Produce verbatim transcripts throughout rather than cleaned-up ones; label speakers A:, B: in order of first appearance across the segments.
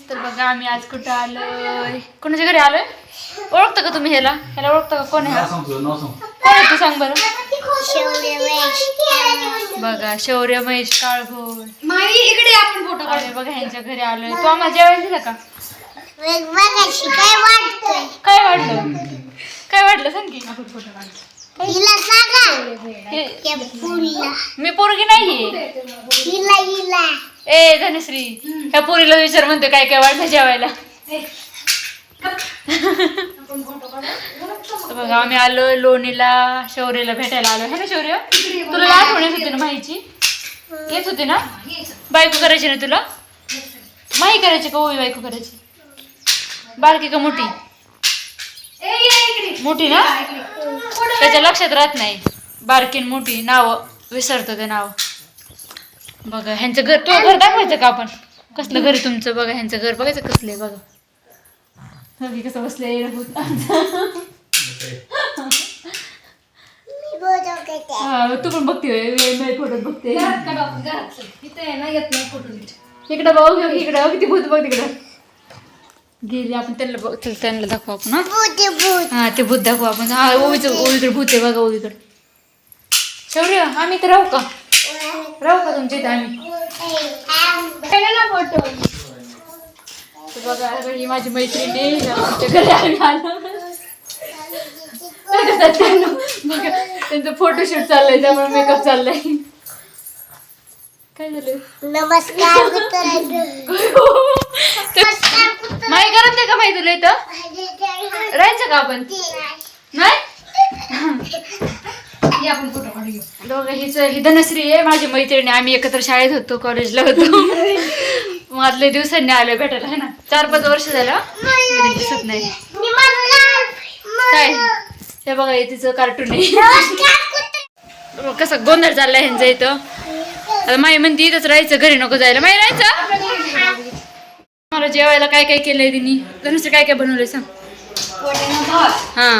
A: तर बघा आम्ही आज कुठं आलोय, कोणाच्या घरी आलोय? ओळखता का तुम्ही ह्याला? ह्याला ओळखता का? कोण आहे हा? कोण आहे तू सांग बरं. बघा शौर्य महेश काळभोर
B: इकडे आपण फोटो
A: आलोय बघा ह्यांच्या घरी आलोय. तू आम्हाला जेवायला दिलं का?
C: काय वाटतंय
A: काय वाटलं? काय वाटलं सांग की.
C: हिला सांगा
A: हे-
C: त्या पुरीला
A: मी पोरगी नाहीये.
C: हिला हिला
A: ए धनश्री, ह्या पोरीला विचार म्हणते काय काय वाटलं जेवायला. तर बघा आम्ही आलोय लोणीला शौर्यला भेटायला आलोय. है ना शौर्य? तुला आठवण येत होती ना माहीची? येत होती ना? बायको करायची ना तुला? माही करायची का ओवी बायको करायची? बारकी का मोठी? मोठी ना? त्याच्या लक्षात राहत नाही. बारकी मोठी नाव विसरतो ते नाव. बघा ह्यांचं घर, तो घर दाखवायचं का आपण? कसलं घर आहे तुमचं? बघा ह्यांचं घर बघायचं कसलं आहे बघा. बघी कसं बसले. तू पण बघते फोटो बघते इकडं बघ इकडं किती भूत बघ तिकडं गेली. आपण त्यांना बघ त्यांना दाखवू आपण. हा ते भूत दाखवू आपण. हा ओवीचं ओवीकडे भूत आहे बघा ओवीकडे. शौर्य आम्ही तर राहू का? राहू का तुमच्या इथे आम्ही?
C: फोटो
A: तर बघा ही माझी मैत्रिणी आमच्या घरी आम्ही आलो. बघा त्यांचं फोटोशूट चाललंय त्यामुळे मेकअप चाललाय. काय झालं?
C: नमस्कार मित्रांनो.
A: माही करत नाही का माही तुला इथं राहायचं का आपण? नाही
B: आपण फोटो काढू.
A: दोघं हिच ही धनश्री आहे माझी मैत्रिणी. आम्ही एकत्र शाळेत होतो, कॉलेजला होतो. मधले दिवसांनी आलोय भेटायला. है ना? चार पाच वर्ष झालं कधी दिसत नाही. काय हे बघा हे तिचं कार्टून आहे. कसं गोंधळ चाललाय ह्यांचं इथं. आता माई म्हणते इथंच राहायचं, घरी नको जायला. माई राहायचं. मला जेवायला काय काय केलंय तिने? धनुष्य काय काय बनवलंय सांग. हा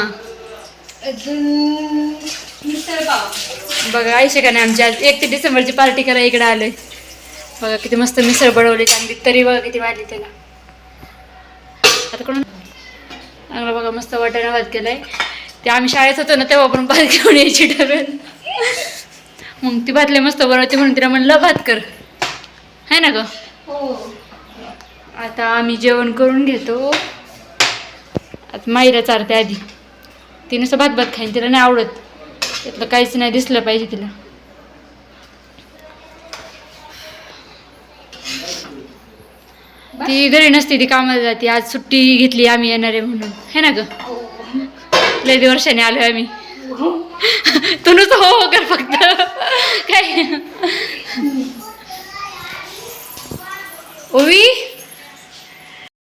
A: बघा आयशे का नाही आमची आज एक ते डिसेंबरची पार्टी करायला इकडे आलोय. बघा किती मस्त मिसळ बनवली चांगली. तरी बघा किती वाढली त्याला. आता कोण चांगलं बघा मस्त वाटाणा भात केलाय. ते आम्ही शाळेत होतो ना तेव्हा पण भात घेऊन यायची डब्यात. मग ती भातले मस्त बनवते म्हणून तिला म्हणलं भात कर. है ना ग? आता आम्ही जेवण करून घेतो. आता माईरा चारते आधी. ती नुसतं भात भात खाईन, तिला नाही आवडत. त्यातलं काहीच नाही दिसलं पाहिजे तिला. ती घरी नसते, ती कामाला जाते. आज सुट्टी घेतली आम्ही येणार आहे म्हणून. है ना ग? लय वर्षाने आलोय आम्ही. तू नुसतं हो हो कर फक्त. काय ओवी